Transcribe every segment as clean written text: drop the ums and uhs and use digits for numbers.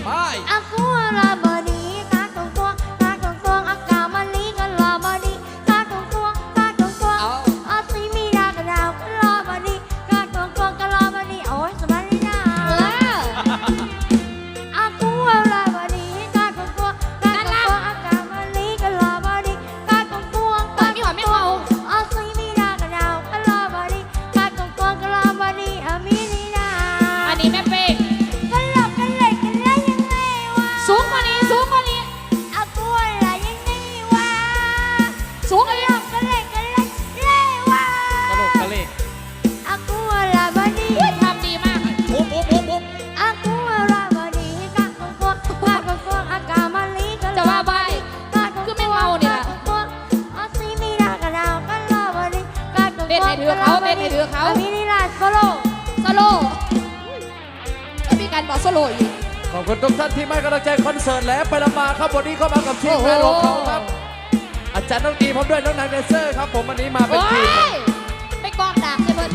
ไปอากูลาบดีกาตงตัวกาตงตัวอากามาลีกันลาบดีกาตงตัวกาตงตัวอาซีมีดากระดาวกันลาบดีกาตงตัวกันลาบดีโอ้ยสบายดีนะอากูลาบดีกาตงตัวกาตงตัวอากามาลีกันลาบดีกาตงตัวกาตงตัวอาซีมีดากระดาวกันลาบดีกาตงตัวกันลาบดีอามีนีนาอันนี้แม่เป้งกันหลอกกันเลยกันได้ยังไงวะสูงกว่านี้สูงกว่านี้อากูอะไรยังไงวะสูงกว่านี้กันเลยกันเลยเลยวะกระโหลกกระเลกอากูอะไรบดีทำดีมากปุ๊บปุ๊บปุ๊บปุ๊บอากูอะไรบดีกาตงตัวกาตงตัวอากามาลีกันจะว่าไปคือไม่เมาเนี่ยอาซีมีดากระดาวกันลาบดีกาตงตัวเต้นให้ถือเขาเต้นให้ถือเขามีนิราชโซโลโซโล่ไม่มีการบอกโซโล่อีกขอบคุณทุกท่านที่ให้กำลังใจคอนเสิร์ตและไปละมาครับวันนี้เข้ามากับทีมงานของเขาครับอาจารย์น้องดีพร้อมด้วยน้องนายแดนเซอร์ครับผมวันนี้มาเป็นโอ้ทีมยไม่กองดาบเลยเพิ่น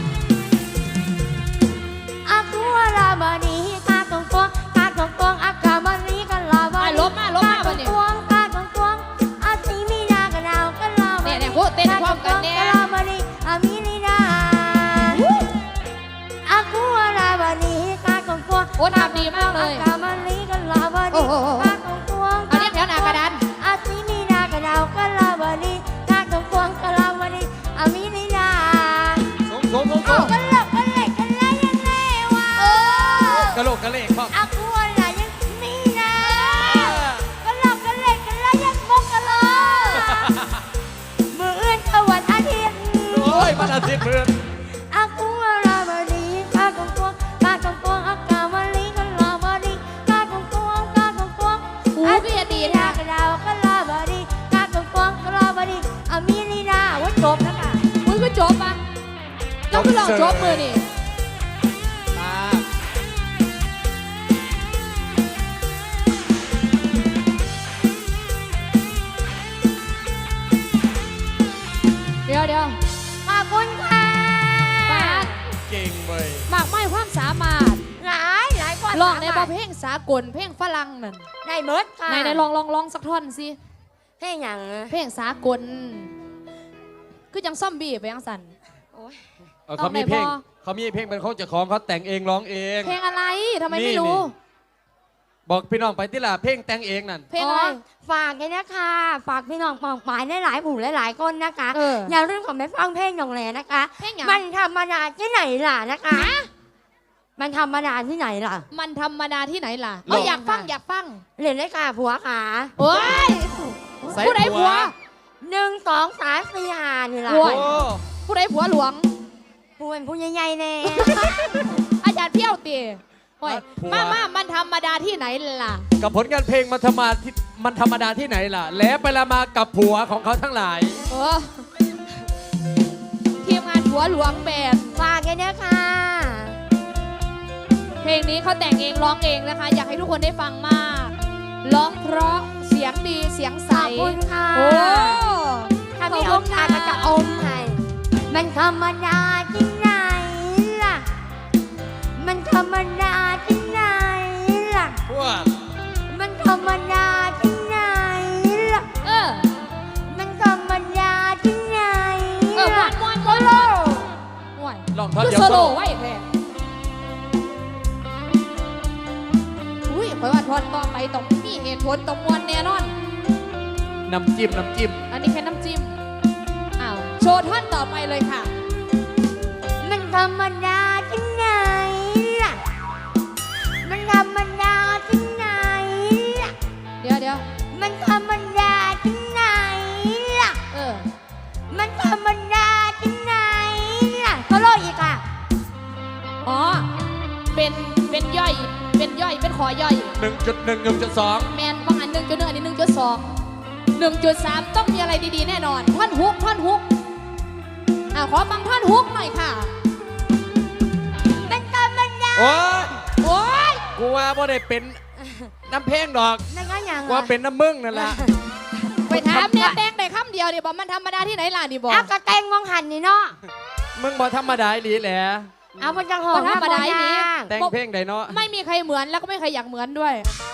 อากูอะไรบดีกาตงตัวกาตงตัวอากามาลีกันลาบดีลบมาวันนี้กาตงตัวอาซีมีดากระดาวกันลาบดีเนี่ยพูดเต้นพร้อมกันเนี่ยลาบดีอามีนิราชอากูอะไรบดีกาตงตัวโอ้ทำดีมากเลยอากามาลีกันลาบดีโอ้โหกาตงตัวเอาเรียกแถวหน้ากระดานอาซีมีดากระดาวกันลาบดีกาตงตัวกันลาบดีอามีนิราชสูงสูงสูงสูเอางกันหลอกกันเลยกันได้ยังไงวะกระโหลกกระเลกครับอากูอะไรยังนี่นะกันหลอกกันเลยกันได้ยังงกกันเลยมืออื่นเขาวันอาทิตย์โอ้ยมันอาทิตย์เพื่อนอากูอะไรบดีกาตงตัวกาตงตัวอากามาลีกันลาบดีกาตงตัวกาตงตัวหูพี่ดีดานะกระดาวกันลาบดีกาตงตัวกันลาบดีอามีลีนาว่าจบแล้วค่ะมึงก็จบอ่ะเราก็ลองจบมือนี่มาเดี๋ยวขอบคุณค่ะปากเก่งเว้ยมากไม่ความสามารถหลายกว่าลองในประเพลงสากลเพลงฝรั่งนั่นได้เมิดค่ะไหนลองสักท่อนสิเพลงอย่างเพลงสากลคือจังซ่อมบี้ไปยังสันโอ้ยเขามีเพลงต้องไหนพอเขามีเพลงเป็นของเจ้าของเขาแต่งเองร้องเองเพลงอะไรทำไมนี่ไม่รู้บอกพี่น้องไปที่ละเพลงแต่งเองนั่นเพลงอะไรฝากเลยนะคะฝากพี่น้องปองปายหลายๆผู้หลายๆคนนะคะเอออย่าลืมของแม่ฟังเพลงหนองแหลนะคะเพลงอย่างมันธรรมดาที่ไหนล่ะนะคะ มันธรรมดาที่ไหนล่ะมันธรรมดาที่ไหนล่ะเอาอยากฟังอยากฟังเรียนได้ค่ะผัวขาโอ้ยใส่ผู้ใดผัว 1 2 3 4 5นี่ล่ะโอ้โอ้ย ผู้ใดผัวหลวงผู้เป็นผู้ใหญ่ๆแน่อาจารย์เพี้ยวตีโอ้ยมามันธรรมดาที่ไหนล่ะกับผลงานเพลงมันธรรมดาที่ไหนล่ะ แล้วไปละมากับผัวของเขาทั้งหลายเออทีมงานผัวหลวงแบบฝากเลยนะคะเพลงนี้เขาแต่งเองร้องเองนะคะ อยากให้ทุกคนได้ฟังมากร้องเพราะเสียงดีเสียงใสขอบคุณค่ะโอ้ถ้ามีโอกาสก็จะอมให้มันธรรมดาที่ไหนล่ะ มันธรรมดาที่ไหนล่ะพวกมันธรรมดาที่ไหนล่ะเออมันธรรมดาที่ไหนเออล่ะม้วนโซโลโอ้ยลองท่อนคือเดียวโซโซโล่โล่ไว้แท้อุ้ยเพราะว่าทอนต่อไปต้องมีเหตุผลต้องมวนแน่นอนน้ำจิ้มอันนี้แค่น้ำจิ้ม อ้าว โชว์ท่อนต่อไปเลยค่ะมันธรรมดาที่ไหนล่ะ มันธรรมดาที่ไหนล่ะเดี๋ยวมันธรรมดาที่ไหนล่ะเออมันธรรมดาที่ไหนล่ะโซโลอีกอ่ะอ๋อ เป็นย่อย เป็นขอย่อย 1.1 1.2 แมนบางอัน1.1อันนี้1.2 1.3 ต้องมีอะไรดีๆแน่นอน ท่อนฮุกขอฟังท่อนฮุกหน่อยค่ะมันธรรมดาโอ้ยโอ้ยกูว่าบ่ได้เป็นน้ำเพลงดอกนั่นก็ยังกูว่าเป็นน้ำมึงนั่นแหละไปถามเนี่ยแตงได้คำเดียวดิบอกมันธรรมดาที่ไหนล่ะดิบอกเอากระแตงมองหันนี่เนาะมึงบ่ธรรมดาอีหลีแหละเอาพจังหอบ่ธรรมดาอีหลีแต่งเพลงใดเนาะไม่มีใครเหมือนแล้วก็ไม่มีใครอยากเหมือนด้วยเ